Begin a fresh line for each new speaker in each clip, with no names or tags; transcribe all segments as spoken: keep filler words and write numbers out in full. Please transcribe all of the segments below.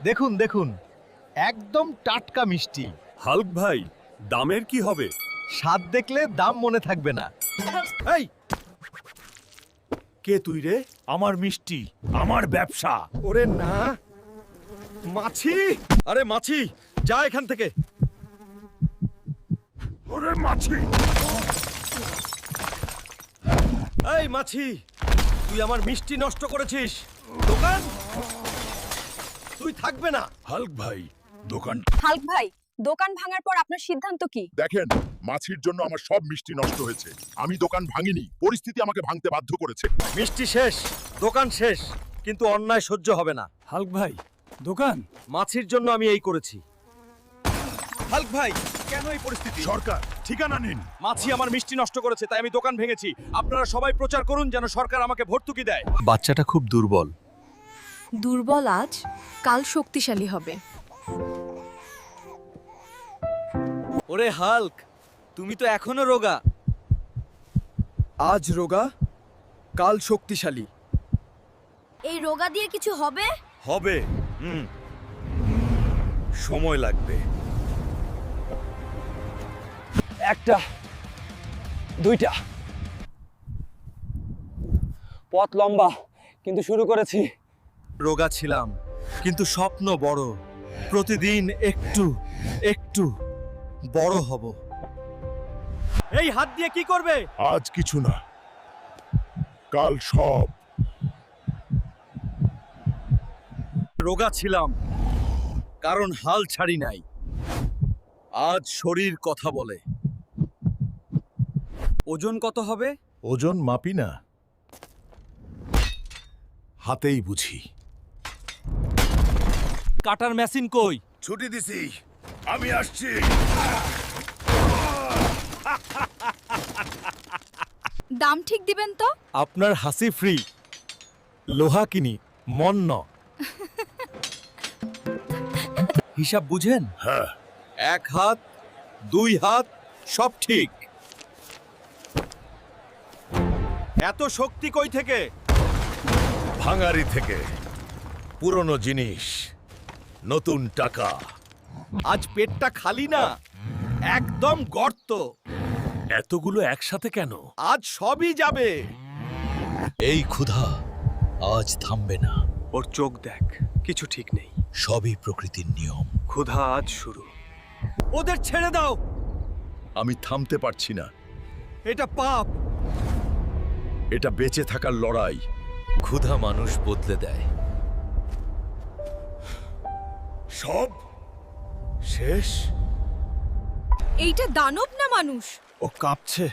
দেখুন দেখুন, একদম টাটকা মিষ্টি।
হাল্ক ভাই, দামের কি হবে?
স্বাদ দেখলে দাম মনে থাকবে না।
এই কে তুই রে? আমার মিষ্টি, আমার ব্যবসা।
ওরে না, মাছি! আরে মাছি, যা এখান থেকে।
ওরে মাছি!
এই মাছি, তুই আমার মিষ্টি নষ্ট করেছিস। দোকান তুই থাকবে না।
হাল্ক ভাই, দোকান।
হাল্ক ভাই, দোকান ভাঙার পর আপনার সিদ্ধান্ত কি?
দেখেন, মাছির জন্য আমার সব মিষ্টি নষ্ট হয়েছে। আমি দোকান ভাঙিনি, পরিস্থিতি আমাকে ভাঙতে বাধ্য করেছে।
মিষ্টি শেষ, দোকান শেষ, কিন্তু অন্যায় সহ্য হবে না।
হাল্ক ভাই, দোকান।
মাছির জন্য আমি এই করেছি। হাল্ক ভাই, কেন এই পরিস্থিতি?
সরকার, ঠিকানা নিন।
মাছি আমার মিষ্টি নষ্ট করেছে, তাই আমি দোকান ভেঙেছি। আপনারা সবাই প্রচার করুন যেন সরকার আমাকে ভর্তুকি দেয়। বাচ্চাটা খুব দুর্বল।
দুর্বল আজ, কাল শক্তিশালী হবে।
ওরে হাল্ক, তুমি তো এখনো রোগা। আজ রোগা, কাল শক্তিশালী
এই রোগা দিয়ে কিছু হবে?
হবে। হুম, সময় লাগবে।
একটা, দুইটা। পথ লম্বা, কিন্তু শুরু করেছি।
রোগা ছিলাম, কিন্তু স্বপ্ন বড়। প্রতিদিন একটু একটু বড় হব। এই হাত দিয়ে কি করবে?
আজ কিছু না, কাল সব।
রোগা ছিলাম, কারণ হাল ছাড়ি নাই। আজ শরীর কথা বলে। ওজন কত হবে?
ওজন মাপি না, হাতেই বুঝি।
কাটার মেশিন কই?
ছুটি দিছি, আমি আসছি।
দাম ঠিক দিবেন তো?
আপনার হাসি ফ্রি। লোহা কিনি, মন ন। হিসাব বুঝেন?
হ্যাঁ।
এক হাত, দুই হাত, সব ঠিক। এত শক্তি কই থেকে?
ভাঙারি থেকে। পুরনো জিনিস, নতুন টাকা।
আজ পেটটা খালি না, একদম গর্ত।
এতগুলো একসাথে কেন?
আজ সবই যাবে।
এই ক্ষুধা আজ থামবে না।
ওর চোখ দেখ, কিছু ঠিক নেই।
সবই প্রকৃতির নিয়ম।
ক্ষুধা আজ শুরু। ওদের ছেড়ে দাও।
আমি থামতে পারছি না।
এটা পাপ।
এটা বেঁচে থাকার লড়াই।
ক্ষুধা মানুষ বদলে দেয়।
সব শেষ।
এইটা দানব না মানুষ?
ও কাঁপছে।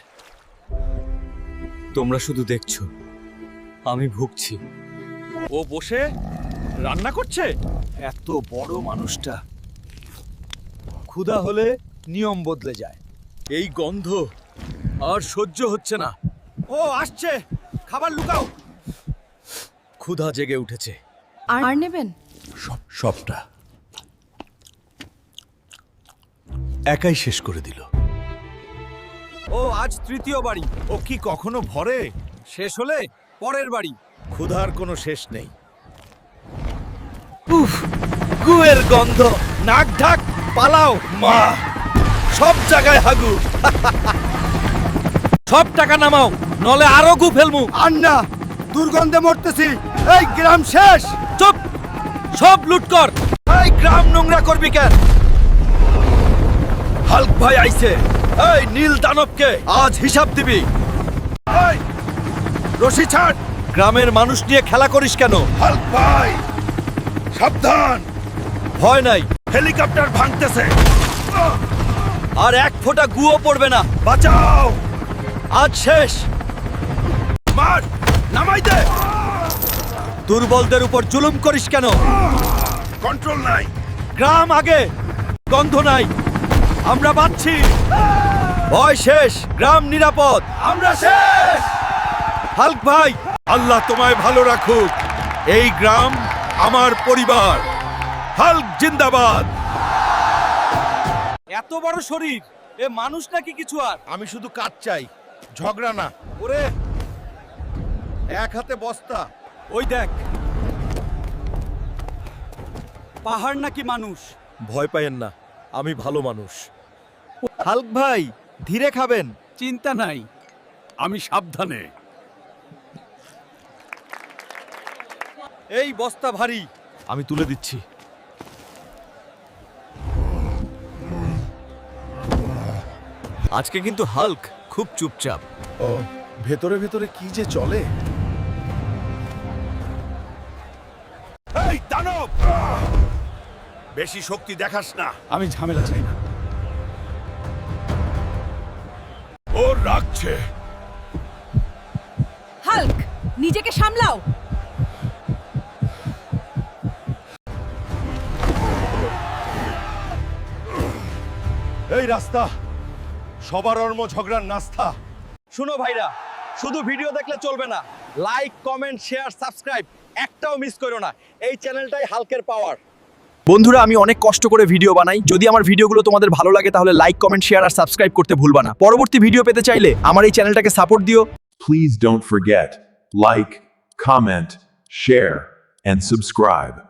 তোমরা শুধু দেখছো, আমি ভুগছি। ও বসে রান্না করছে। এত বড় মানুষটা। ক্ষুধা হলে নিয়ম বদলে যায়। এই গন্ধ আর সহ্য হচ্ছে না। ও আসছে, খাবার লুকাও। ক্ষুধা জেগে উঠেছে।
আর নেবেন?
সব সবটা একাই শেষ করে দিল। ও আজ তৃতীয় বাড়ি। ও কি কখনো ভরে? শেষ হলে পরের বাড়ি। ক্ষুধার কোনো শেষ নেই। উফ, গুয়ের গন্ধ। নাক ঢাক, পালাও। মা, সব জায়গায় হাগু। সব টাকা নামাও, নলে আরো গু ফেলমু। আন্না, দুর্গন্ধে মরতেছি। এই গ্রাম শেষ। চুপ, সব লুট কর। এই গ্রাম নোংরা করবি কেন? হাল্ক ভাই আইছে। এই নীল দানবকে আজ হিসাব দিবি। এই রশি ছাড়। গ্রামের মানুষ নিয়ে খেলা করিস কেন?
হাল্ক ভাই, সাবধান।
ভয় নাই,
হেলিকপ্টার ভাঙতেছে।
আর এক ফোঁটা গুও পড়বে না।
বাঁচাও।
আজ শেষ।
মার, নামাই দে।
দুর্বলদের উপর জুলুম করিস কেন?
কন্ট্রোল নাই।
গ্রাম আগে, গন্ধ নাই। আমরা বাঁচছি। ভয় শেষ, গ্রাম নিরাপদ। আমরা শেষ। হাল্ক ভাই,
আল্লাহ তোমায় ভালো রাখুক।
এই গ্রাম আমার পরিবার।
হাল্ক জিন্দাবাদ।
এত বড় শরীর, এ মানুষ নাকি কিছু? আর
আমি শুধু কাজ চাই, ঝগড়া না।
ওরে, এক হাতে বস্তা। ওই দেখ, পাহাড় নাকি মানুষ? ভয় পাইয়েন না, আমি ভালো মানুষ। হাল্ক ভাই, ধীরে খাবেন।
চিন্তা নাই, আমি সাবধানে।
এই বস্তা ভারী, আমি তুলে দিচ্ছি। আজকে কিন্তু হাল্ক খুব চুপচাপ।
ও ভেতরে ভেতরে কি যে চলে।
এই দানব, বেশি শক্তি দেখাস না।
আমি ঝামেলা চাই না।
ও রাখছে।
হাল্ক, নিজেকে সামলাও।
এই রাস্তা সবার অর্ম ঝগড়ার নাস্তা।
শুনো ভাইরা, শুধু ভিডিও দেখলে চলবে না, লাইক, কমেন্ট, শেয়ার, সাবস্ক্রাইব একটাও মিস করো না। এই চ্যানেলটাই হাল্কের পাওয়ার। বন্ধুরা, আমি অনেক কষ্ট করে ভিডিও বানাই। যদি আমার ভিডিওগুলো তোমাদের ভালো লাগে তাহলে লাইক, কমেন্ট, শেয়ার আর সাবস্ক্রাইব করতে ভুলবা না। পরবর্তী ভিডিও পেতে চাইলে আমার এই চ্যানেলটাকে সাপোর্ট দিও।
Please don't forget, like, comment, share, and subscribe.